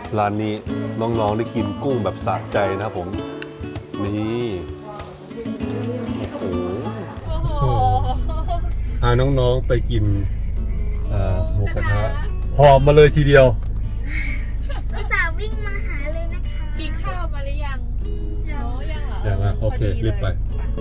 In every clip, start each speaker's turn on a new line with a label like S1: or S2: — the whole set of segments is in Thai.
S1: ร้านนี้น้องๆได้กินกุ้งแบบสะใจนะครับผมนี่โอ้โหพาน้องๆไปกินหมูกระทะหอบมาเลยทีเดียว
S2: อุตส่าห์วิ่งมาหาเลยนะคะ
S3: กินข้าวมาหรือยังยังเหรอ
S1: อย่างนั้นโอเครีบไป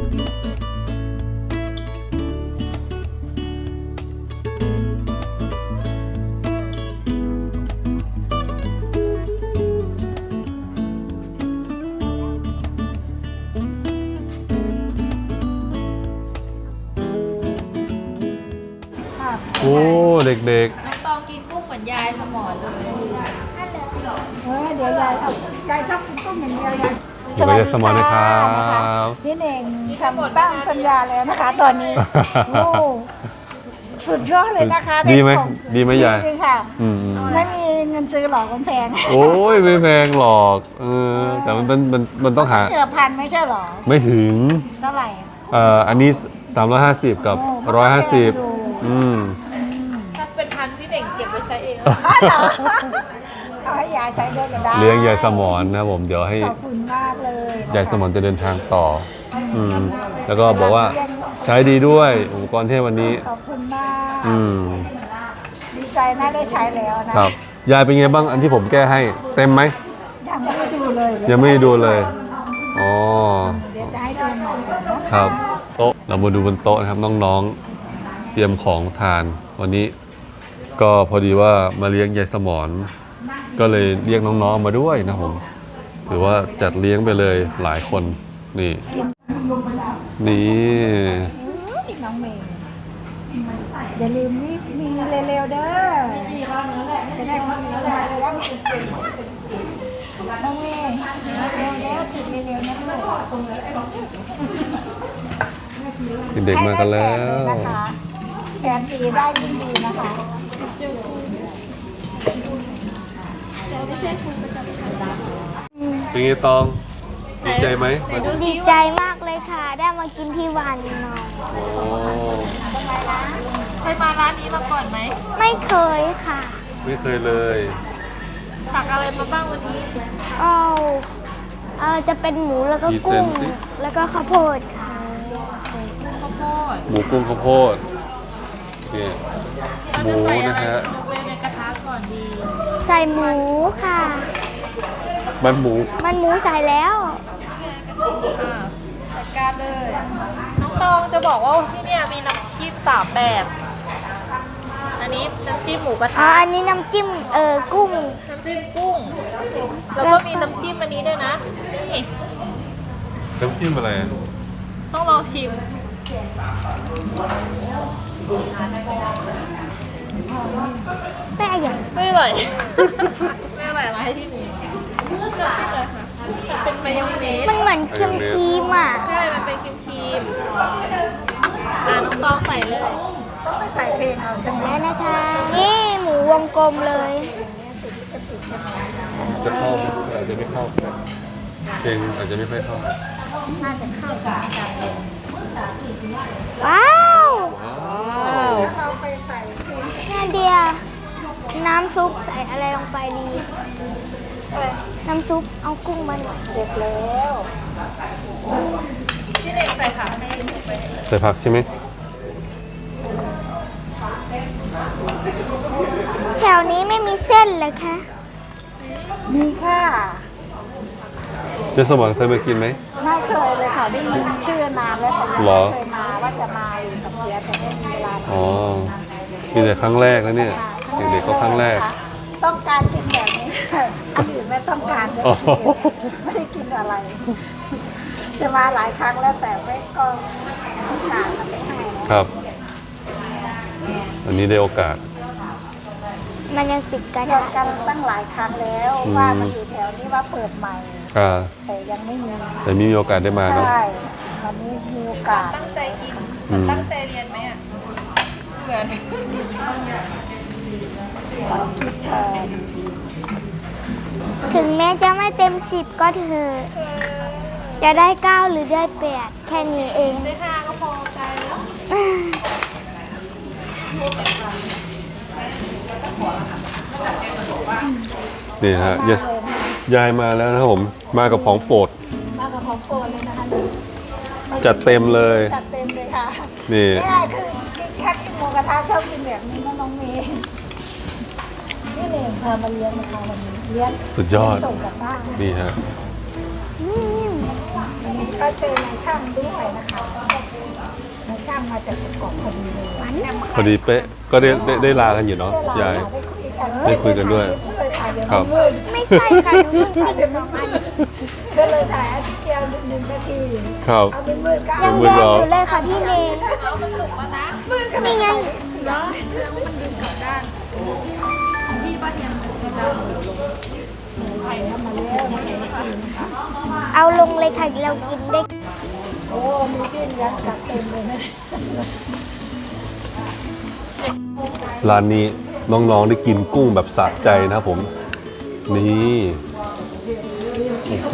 S1: โอ้เด็ก
S3: น้องตองกินกุ้งเหมือนยายสมอนเลย
S4: เดี๋ยวยายชอบกินกุ้งอย่างเดียวยาย
S1: ๆอยู่กับยายสมอนนะครับ
S4: พี่เน่งทำตั้งสัญญาแล้วนะคะ ตอนนี้โอ้สุดยอดเลยนะคะ
S1: ดีไหม
S4: ของ
S1: ดีไหมยาย
S4: จริงค่ะ
S1: อืม
S4: ไม่มีเงินซื้อหรอกมันแพง
S1: โอ้ยไม่แพงหรอกแต่มันต้องหา
S4: เกือบพันไม่ใช่หรอ
S1: ไม่ถึง
S4: เท่าไหร่
S1: อันนี้ 350 กับ 150
S3: ถ้าเป็นพันพี่เด่งเก็บไว้ใช้เอง
S4: เอาให้ยายใช้ด้วยก็ได้
S1: เลี้ยงยายสมอนนะผมเดี๋ยวให้
S4: ขอบคุณมากเลยนะคะ
S1: ยายสมอนจะเดินทางต่อแล้วก็บอกว่าใช้ดีด้วยอุปกรณ์เทพวันนี้
S4: ขอบคุณมาก ดีใจน่าได้ใช้แล้วนะครับ
S1: ยายเป็นไงบ้างอันที่ผมแก้ให้เต็มไหม
S4: ยังไม่ได้ดูเลย
S1: ยังไม่ได้ดูเลยอ๋อ
S4: เดี๋ยวจะให้ดูหน่อยนะ
S1: ครับโต๊ะเรามาดูบนโต๊ะนะครับน้องๆเตรียมของทานวันนี้ ก็พอดีว่ามาเลี้ยงยายสมอนก็เลยเรียกน้องๆมาด้วยนะผมถือว่าจัดเลี้ยงไปเลยหลายคนนี่นี่
S4: น้องเมย์อย่าลืมนี่มีเร็วๆเด้อจะได้มาเลี้ยงน้องเมย์เร็วแล้วติดเร็วๆนะลูก
S1: เด็กมากันแล้ว
S4: แผนสีได้ยิ่งดีนะคะ
S1: เป็นไงตองดีใจไหม
S2: ดีใจมากเลยค่ะ ได้มากินที่วานนอน
S1: โอ้
S3: เคยมาร้านนี้มาก่อนไหม
S2: ไม่เคยค่ะ
S1: ไม่เคยเลย
S3: สั่งอะไรมาบ้างวันนี้
S2: จะเป็นหมูแล้วก็กุ้งแล้วก็ข้าวโพดค่ะ
S3: ข้าวโพด
S1: หมูกุ้งข้าวโพดนี่หมู
S3: เราจะใส่อะ
S1: นะ
S3: ไร
S1: ฮะ
S3: ลงไปในกระทะก่อนดี
S2: ใส่หมูค่ะ
S1: มันหมู
S2: มันหมูใส่แล้ว
S3: จัดการเลย น้องตองจะบอกว่าที่เนี่ยมีน้ำจิ้ม3แบบ อันนี้น้ำจิ้มหมูกระทะ
S2: อันนี้น้ำจิ้มกุ้ง
S3: น้ำจิ้มกุ้ง แล้วก็มีน้ำจิ้มอันนี้ด้วยนะนี่
S1: น้ำจิ้มอะไรอะ
S3: ต้องลองชิม
S2: แป้อย่าง
S3: ไม่อร่อย ไม่อร่อยมาให้ที่นี่น้ำจิ้มเลยค่ะเป็นมายองเนส
S2: มันเหมือนครีมอ่ะ
S3: ใช่ มันเป็นครีมน้องตองใส่เลย
S4: ต้องไปใส่เพลงเอาใช่ไหม
S2: แล้วนะคะ นี่หมูวงกลมเลย
S1: จะเข้าไหมอาจจะไม่เข้าเพลงอาจจะไม่ค่อยเข้า
S2: ว้าว
S1: ว้าว
S2: น่าเดียน้ำซุปใส่อะไรลงไปดีน้ำซุปเอากุ้งมาหน่อย
S4: เสร็จแล้ว
S3: พี่เด็กใส่ผักให้หนูไป
S1: ใส่ผักใช่ไหม
S2: แถวนี้ไม่มีเส้นเหรอคะ
S4: มีค่ะ
S1: เจสมอนเคยมากินไหม
S4: ไม่เคยเลยค่ะได้ยินชื่อนานแล้วแต่ยัง
S1: เหรอ
S4: ไม่เคยมาว่าจะมาอยู่กับเพียแต่ไม่มีเวลา
S1: อ๋อมีแต่ครั้งแรกแล้วเนี่ยเด็กๆก็ครั้งแรก
S4: ต้องการกินแบบนี้อันอื่นไม่ต้องการเลย
S1: อ๋อ
S4: ไม่ได้กินอะไร จะมาหลายครั้งแล้วแต่ไม่ก็โอกาสมันไม่ให้นะครับ
S1: อันนี้ได้โอกาส
S2: มันยังติดกัน
S4: เกี่ยวกันตั้งหลายครั้งแล้วว่ามันอยู่แถวนี้ว่าเปิดใหม่ แต่ยังไม่มี
S1: แต่มีโอกาสได้มาเนาะ
S4: ใช่วันนี้มีโอกาส
S3: ตั้งใจกิน ตั้งใจเรียนไหมอ่ะเหมือน
S4: คิด
S2: ถึงแม้จะไม่เต็ม10ก็เถอะจะได้9หรือได้8แค่นี้เอง
S3: ได้5ก็พอใจแล้ว
S1: นี่ฮะยายมาแล้วนะครับผมมากับของโปรด
S4: มากับของโปรดเลยนะคะ
S1: จัดเต็มเลย
S4: จัดเต็มเลยค่ะ
S1: นี่
S4: นี่คือแค่กินหมูกระทะชอบกินแบบนี้นะน้องเมย์นี่เลยพามาเลี้ยงนะคะวันนี้เลี้ยง
S1: สุดยอด
S4: ส่งกลับบ้าน
S1: นี่ฮะ
S4: วันนี้ก็เจอนายช่างด้วยนะคะนายช่างมาจากประกอบพอดีเลย
S1: พอดีเป๊ะก็ได้ลากันอยู่เนาะยาย ได้คุยกันด้วยครับ
S2: ไม่ใช่ค่ะหนูเพิ่งติด2 อัน
S4: ก็เลยถ่ายอาทิตย์เดียวหนึ่งนาที
S1: ครับ
S4: เอาเป็นมือก็
S2: ยั
S4: เอา
S2: ง
S1: มื
S2: แย
S1: อก เรา
S2: อยู่เลยค่ะพี่เมย์ นี่ไง เอาลงเลยค่ะเรากินได้
S4: โอ้มีกินยัดกัดเต็มเลยนะ
S1: ร้านนี้น้องๆได้กินกุ้งแบบสะใจนะครับผม นี่โอ้โห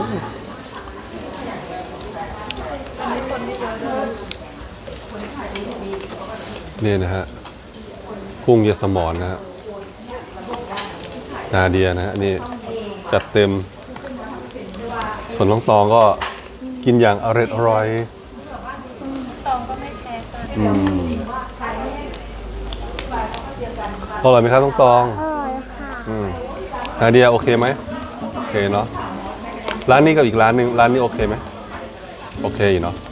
S1: นี่นะฮะกุ้งยสมอนนะฮะนาเดียนะฮะนี่จัดเต็ม ส่วนน้องตองก็กินอย่างอร่อยตองก็ไม่แพ้อร่อยไหมครับน้องตอง
S2: อร่อยค่ะ
S1: นาเดียโอเคไหมโอเคเนาะร้านนี้กับอีกร้านหนึ่งร้านนี้โอเคไหมโอเคอยู่เนาะ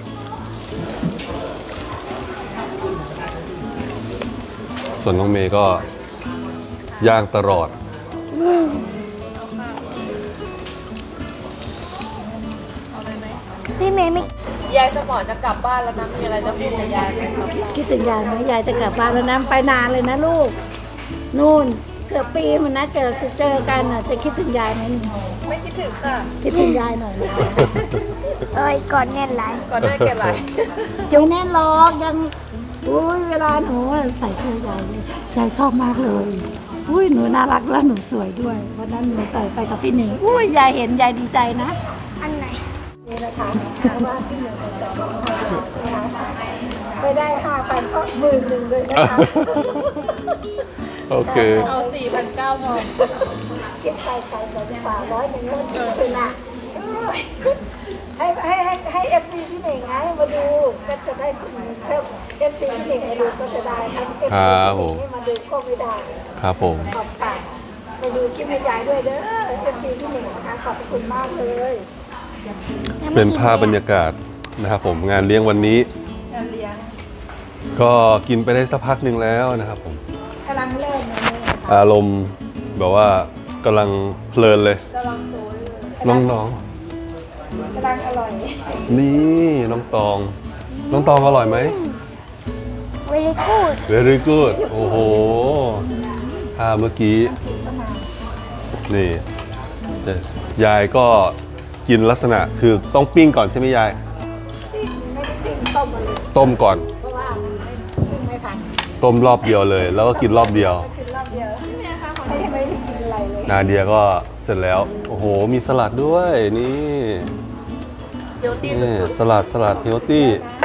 S1: ส่วนน้องเมย์ก็ย่างตลอด
S2: พี่เมย์ไม่
S3: ยายสมอจะกลับบ้านแล้วนะมีอะไรจะพูดกับยายไหมครับ
S4: คิดถึงยายไหมยายจะกลับบ้านแล้วนะไปนานเลยนะลูก นู่นเกือบปีมันนะเจอกันอ่ะจะคิดถึงยายไหมหนู
S3: ไม่คิดถึงค่ะ
S4: คิดถึงยายหน่อยนะ
S2: เอ้ยก่อนแน่นหลาย
S3: ก่อนหน้าแกไหล
S4: จุ๊แน่นหรอกยังอุ้ยเวลาหนูใส่เสื้อยายเลยยายชอบมากเลยอุ้ยหนูน่ารักและหนูสวยด้วยวันนั้นหนูใส่ไปกับพี่หนิงอุ้ยยายเห็นยายดีใจนะ
S2: อันไหน
S4: นี่นะคะว่าที่หนึ่งไปได้5,000ก็10,000เลยนะคะ
S1: โอเค
S3: เอา4,900พอ
S4: เก็บไปใส่ไปฝาก100ก็เป็นละให้เอฟซีพี่หนิงไงมาดูก็จะได้เอฟซีพี่หนิงมาดูก็จะได้เอฟซีพี่หนิงมาดูก็ไม่ได้
S1: ครับผม
S4: ขอบคุณไปดูคลิปให้ยายด้วยเด้อเอฟซีพี่หนิงนะคะขอบคุณมากเลย
S1: เป็นภาพบรรยากาศนะครับผมงานเลี้ยงวันนี้
S3: งานเลี้ยง
S1: ก็กินไปได้สักพักหนึ่งแล้วนะครับผม
S4: กำลังเริ่มเลย
S1: อารมณ์แบบว่ากำลังเพลินเลย
S3: กำลังโซยเลย
S1: น้อง
S4: กำลังอร่อย
S1: ๆนี่น้องตอง น้องตองอร่อยไหม
S2: เวลิกูด
S1: very good โอ้โหถ้าเมื่อกี้ นี่ยายก็กินลักษณะคือต้องปิ้งก่อนใช่ไหมยาย
S4: ไม่ได้ปิ้งต้มมาเลย
S1: ต้มก่อน
S4: เพราะว่าไม่ทัน
S1: ต้มรอบเดียวเลย แล้วก็กินรอบเดียว
S4: กินรอบเดียวไม่ได้กินอะไรเลย
S1: นาเดียก็เสร็จแล้ว โอ้โห มีสลัดด้วยนี่
S3: เดี๋ยวตี
S1: นี่สลัดเฮลตี้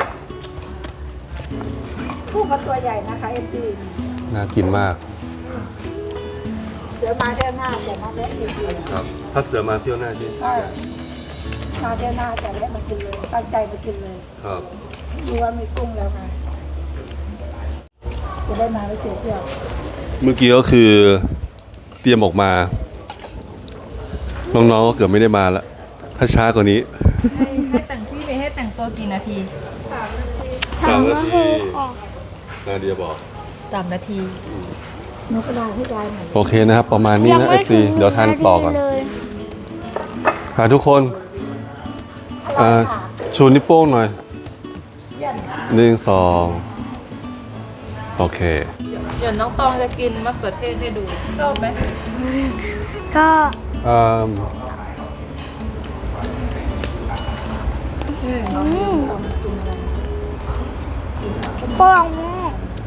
S4: ผู้ก็ตัวใหญ่นะคะเอ็มดี
S1: น่ากินมาก
S4: เดี๋ยวมาเที่ยวหน้าจะมาแวะอีก
S1: ครับ ถ้าเสือมาเที่ยวหน้าจี
S4: มาเที่ยวหน้าจะแวะมากินเลยตั้งใจมากินเลย
S1: ครับ
S4: รู้ว่ามีกุ้งแล้วไงจะได้มาไม่เสียเที่ยว
S1: เมื่อกี้ก็คือเตรียมออกมา น้องๆก็เกือบไม่ได้มาแล้ว ถ้าช้ากว่านี้
S3: ให้แต่งพี่เมย์ให้แต่งตัวกี่นาที
S1: 3 นาทีนาเดียบอก
S3: 3 นาที
S4: หนูกระดาษให้ยายหน่อย
S1: โอเคนะครับ ประมาณนี้นะเอฟซีเดี๋ยวทานต่อก่อน
S2: เลย
S1: ทุกคนชูนิ้วโป้งหน่อย 1 2 โอเค
S3: เดี๋ยวน้องตองจะกินมะเขือเทศให้ดู ชอบไหม
S2: ก็
S1: อืม
S2: โป้งแม่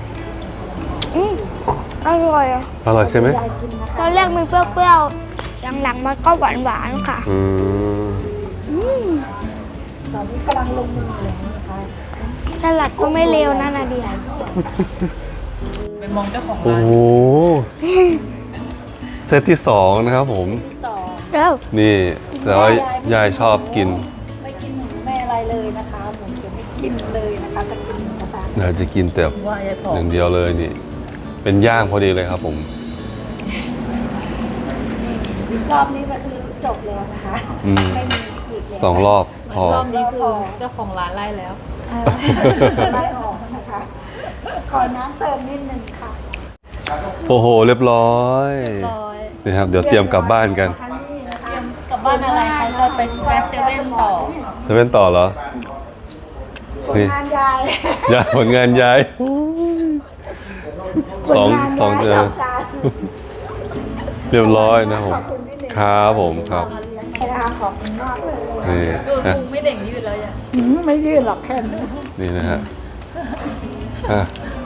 S2: อร่อยอ่ะ
S1: อร่อยใช่ไหม
S4: ยายกินนะคะ
S2: ตอนแรกมันเปรี้ยวๆหลังๆมันก็หวานๆค่ะ
S1: อืม
S4: ตอนนี้กำลังลงมือเลยนะคะ
S2: สลัดก็ไม่เลวนะนาเดีย
S3: ไม่มองเจ้าของ
S1: โอ้
S3: ร้าน
S1: โหเซตที่สองนะครับผม
S3: สอง
S2: เร็ว
S1: นี่แต่ว่ายายชอบกิน
S4: ไม่กินหมูไม่อะไรเลยนะคะหมูจะไม่กินเลยนะคะจะกินหมูกระทะ
S1: ยายจะกินแต่
S3: ว่ายายผอ
S1: ห
S3: ม
S1: นึ่งเดียวเลยนี่ เป็นย่างพอดีเลยครับผม
S4: รอบนี้ก็คือจบแล้วนะคะ
S1: อืม
S4: ไม่มีอีกแล้ว
S1: สองรอบพอ
S3: ซ่อมนี้คือเจ้าของร้านไล่แล้ว
S4: ไล่ออกนะคะ ขอน้ำเติมนิดนึงค่ะ
S1: โอ้โห เรียบร้อย
S3: ร้อย
S1: นี่ครับ เดี๋ยวเตรียมกลับบ้านกัน
S4: ครั้งนี้นะ
S3: เต
S4: คะ
S3: รียมกลับบ้านอะไรคะจะไปแวะเซเว่นต่อ
S1: จะเป็นต่อเหรอ
S4: ผลงานยาย
S1: ยายผลงานยายสองเจอ เรียบร้อยนะผม ครับผมครับ
S4: นะคะขอบคุณมากเลย
S1: นี่
S3: ดู
S1: นะ
S3: พุงไม่เด่งยืดแล้วยัง
S4: ไม่ยืดหรอกแค่นี้
S1: นี่นะฮะอ่ะ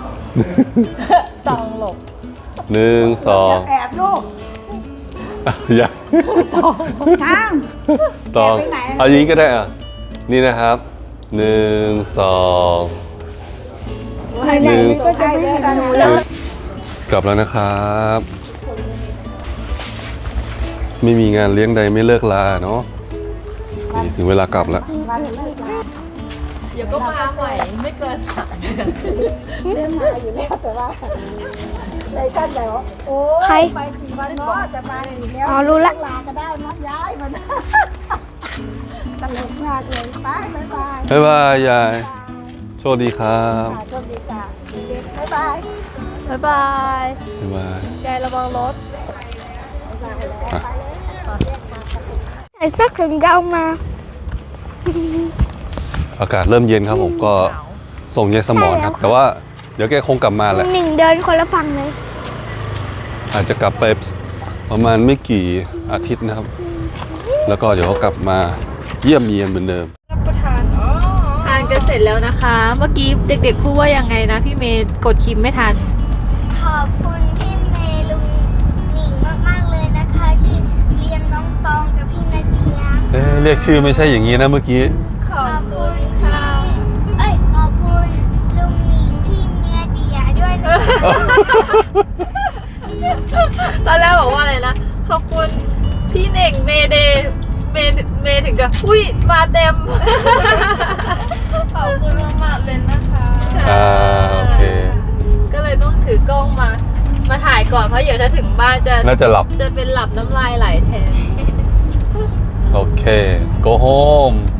S3: ต้องหลบ
S1: หนึ่งสอง
S4: แอบลูก
S1: อย่า
S4: ช้าง
S1: ตอง
S4: แอบไปไหน
S1: เอาอย่างนี้ก็ได้อ่ะ นี่นะครับหนึ่งสอง
S4: ไหนๆก็จะไม่เห็นหนูแล้ว
S1: กลับแล้วนะครับ ไม่มีงานเลี้ยงใดไม่เลิกลาเนาะนี่ถึงเวลากลับแล้ว
S4: วันเลิกลา
S3: เดี๋ยวก็มาใหม่ไม่เกิน3 เดือน
S4: เรื่องมาอยู่แล้วแต่ว่าในท่านแล้วโอ้ยไปกี่วันเนาะจะมาอีกแล้ว
S2: อ๋อรู้ละ
S4: ลาก็ได้นะย้ายมันตลกมากเลยไปบ๊ายบาย
S1: บ๊ายบายยาย โชคดีครับ
S4: ค่ะโชคดีจ้ะเด็กๆบ๊ายบาย
S3: บ๊ายบาย
S1: บ๊ายบาย
S3: ยายระวังรถ
S4: บ๊ายบายแล้วไปเลย
S2: ใส่เสื้อแขนยาวมา
S1: อากาศเริ่มเย็นครับผมก็ส่งยายสมอนครับ แต่ว่าเดี๋ยวแกคงกลับมาแหละ
S2: หนึ่งเดินคนละฝั่งเลย
S1: อาจจะกลับไปประมาณไม่กี่อาทิตย์นะครับ แล้วก็เดี๋ยวเขากลับมาเยี่ยมเยียนเหมือนเดิม
S3: ทานกันเสร็จแล้วนะคะ เมื่อกี้เด็กๆพูดว่ายังไงนะพี่เมย์กดคิมไม่ทัน
S2: ขอบคุณพี่เมย์ลุงหนิงมากๆเลยนะคะ ที่เลี้ยงน้องตองกับพี่นาเดีย
S1: เอ๊ะเรียกชื่อไม่ใช่อย่างนี้นะเมื่อกี้
S2: ขอบคุณค่ะขอบคุณลุงหนิงพี่เมียเดียด้วยนะคะ
S3: ตอนแรกบอกว่าอะไรนะ ขอบคุณพี่เน่งเมเดย์เมถึงกับอุ้ยมาเต็ม
S2: ขอบคุณมากๆเลยนะคะ
S1: โอเค
S3: ก็เลยต้องถือกล้องมาถ่ายก่อนเพราะเดี๋ยวถ้าถึงบ้านจะ
S1: น่าจะหลับ
S3: จะเป็นหลับน้ำลายไหลแทน
S1: โอเค go home